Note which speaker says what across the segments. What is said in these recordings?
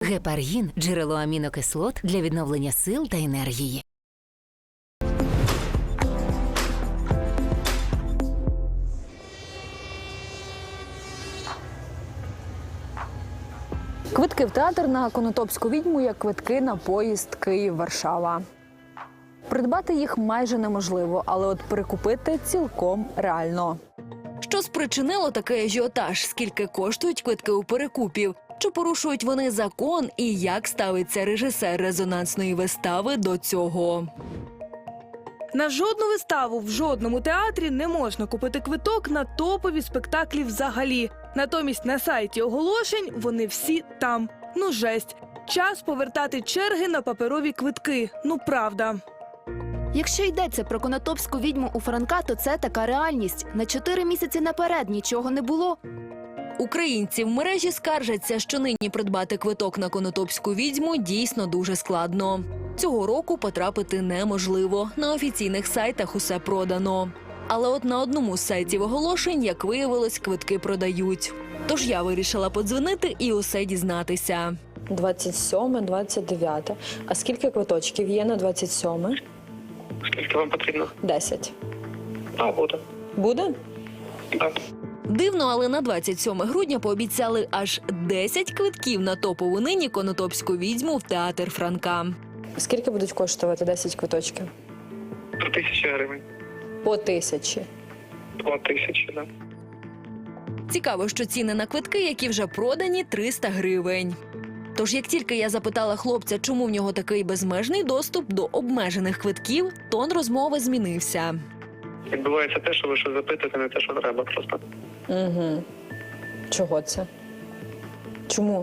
Speaker 1: Гепаргін – джерело амінокислот для відновлення сил та енергії.
Speaker 2: Квитки в театр на «Конотопську відьму» як квитки на поїзд Київ-Варшава. Придбати їх майже неможливо, але от перекупити цілком реально.
Speaker 3: Що спричинило такий ажіотаж? Скільки коштують квитки у перекупів? Чи порушують вони закон? І як ставиться режисер резонансної вистави до цього?
Speaker 4: На жодну виставу в жодному театрі не можна купити квиток на топові спектаклі взагалі. Натомість на сайті оголошень вони всі там. Ну жесть. Час повертати черги на паперові квитки. Ну правда.
Speaker 5: Якщо йдеться про «Конотопську відьму» у Франка, то це така реальність. На 4 місяці наперед нічого не було.
Speaker 3: Українці в мережі скаржаться, що нині придбати квиток на «Конотопську відьму» дійсно дуже складно. Цього року потрапити неможливо. На офіційних сайтах усе продано. Але от на одному з сайтів оголошень, як виявилось, квитки продають. Тож я вирішила подзвонити і усе дізнатися.
Speaker 2: 27, 29. А скільки квиточків є на 27?
Speaker 6: Скільки вам потрібно?
Speaker 2: 10.
Speaker 6: А, буде.
Speaker 2: Буде?
Speaker 6: Так.
Speaker 3: Дивно, але на 27 грудня пообіцяли аж 10 квитків на топову нині «Конотопську відьму» в театр Франка.
Speaker 2: Скільки будуть коштувати 10 квиточків?
Speaker 6: 3000 гривень.
Speaker 2: По 1000.
Speaker 6: 2000, так.
Speaker 3: Цікаво, що ціни на квитки, які вже продані, 300 гривень. Тож, як тільки я запитала хлопця, чому в нього такий безмежний доступ до обмежених квитків, тон розмови змінився.
Speaker 6: Відбувається те, що ви щось запитуєте, не те, що треба просто.
Speaker 2: Угу. Чого це? Чому?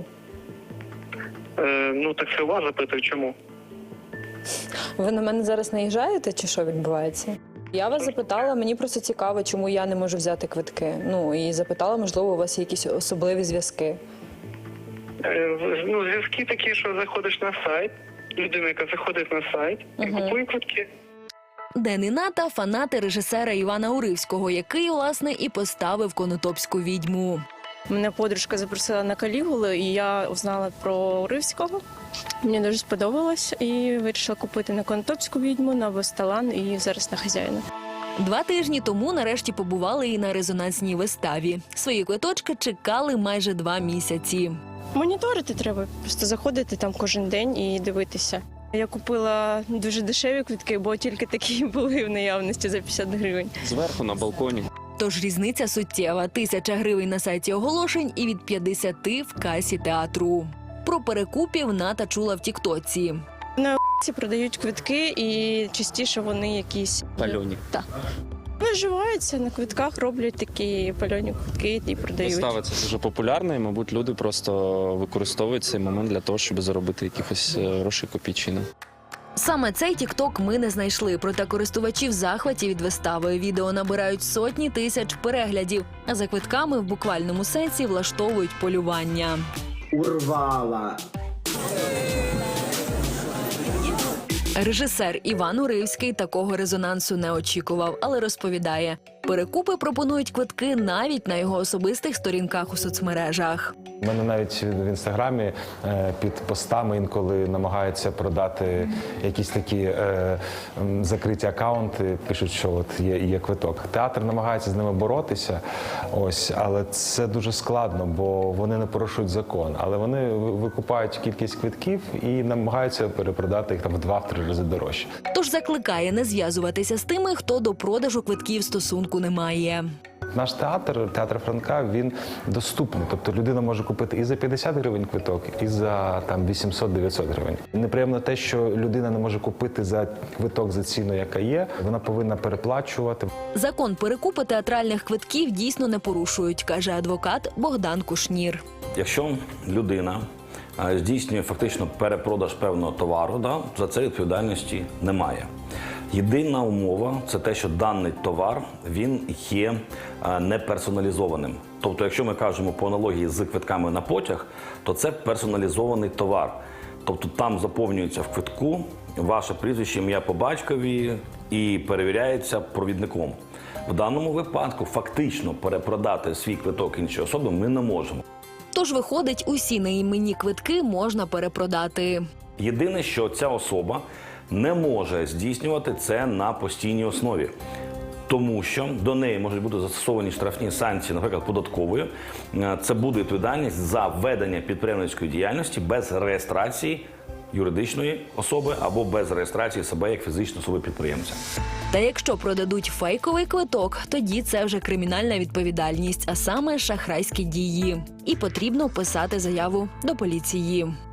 Speaker 6: Ну, так це у вас запитую, чому?
Speaker 2: Ви на мене зараз наїжджаєте, чи що відбувається? Я вас запитала, мені просто цікаво, чому я не можу взяти квитки. Ну, і запитала, можливо, у вас є якісь особливі зв'язки.
Speaker 6: Ну, зв'язки такі, що заходиш на сайт, людина, яка заходить на сайт і купує квитки.
Speaker 3: Ден і Ната – фанати режисера Івана Уривського, який, власне, і поставив «Конотопську відьму».
Speaker 7: Мене подружка запросила на Калігулу, і я узнала про Уривського. Мені дуже сподобалось, і вирішила купити на «Конотопську відьму», на «Восталан» і зараз на «Хазяїна».
Speaker 3: 2 тижні тому нарешті побували і на резонансній виставі. Свої квиточки чекали майже 2 місяці.
Speaker 7: Моніторити треба, просто заходити там кожен день і дивитися. Я купила дуже дешеві квитки, бо тільки такі були в наявності за 50 гривень.
Speaker 8: Зверху на балконі.
Speaker 3: Tож різниця суттєва – 1000 гривень на сайті оголошень і від 50 в касі театру. Про перекупів Ната чула в тіктоці.
Speaker 7: На ці продають квитки, і частіше вони якісь
Speaker 8: Пальоні.
Speaker 7: Так. Виживаються на квитках, роблять такі пальоні квитки і продають.
Speaker 8: Вистава це дуже популярна, і, мабуть, люди просто використовують цей момент для того, щоб заробити якихось грошей копійчини.
Speaker 3: Саме цей тікток ми не знайшли, проте користувачі в захваті від вистави. Відео набирають сотні тисяч переглядів, а за квитками в буквальному сенсі влаштовують полювання.
Speaker 9: Урвала.
Speaker 3: Режисер Іван Уривський такого резонансу не очікував, але розповідає, перекупи пропонують квитки навіть на його особистих сторінках у соцмережах.
Speaker 10: У мене навіть в Інстаграмі під постами інколи намагаються продати якісь такі закриті акаунти, пишуть, що от є квиток. Театр намагається з ними боротися, ось, але це дуже складно, бо вони не порушують закон. Але вони викупають кількість квитків і намагаються перепродати їх там в 2-3 рази дорожче.
Speaker 3: Тож закликає не зв'язуватися з тими, хто до продажу квитків стосунку не має.
Speaker 10: Наш театр, театр Франка, він доступний. Тобто людина може купити і за 50 гривень квиток, і за там 800-900 гривень. Неприємно те, що людина не може купити за квиток за ціну, яка є. Вона повинна переплачувати.
Speaker 3: Закон перекупу театральних квитків дійсно не порушують, каже адвокат Богдан Кушнір.
Speaker 11: Якщо людина здійснює фактично перепродаж певного товару, за це відповідальності немає. Єдина умова – це те, що даний товар, він є неперсоналізованим. Тобто, якщо ми кажемо по аналогії з квитками на потяг, то це персоналізований товар. Тобто там заповнюється в квитку ваше прізвище, ім'я по батькові і перевіряється провідником. В даному випадку фактично перепродати свій квиток іншій особі ми не можемо.
Speaker 3: Тож, виходить, усі неіменні квитки можна перепродати.
Speaker 11: Єдине, що ця особа не може здійснювати це на постійній основі. Тому що до неї можуть бути застосовані штрафні санкції, наприклад, податкової. Це буде відповідальність за ведення підприємницької діяльності без реєстрації юридичної особи або без реєстрації себе як фізичної особи-підприємця.
Speaker 3: Та якщо продадуть фейковий квиток, тоді це вже кримінальна відповідальність, а саме шахрайські дії. І потрібно писати заяву до поліції.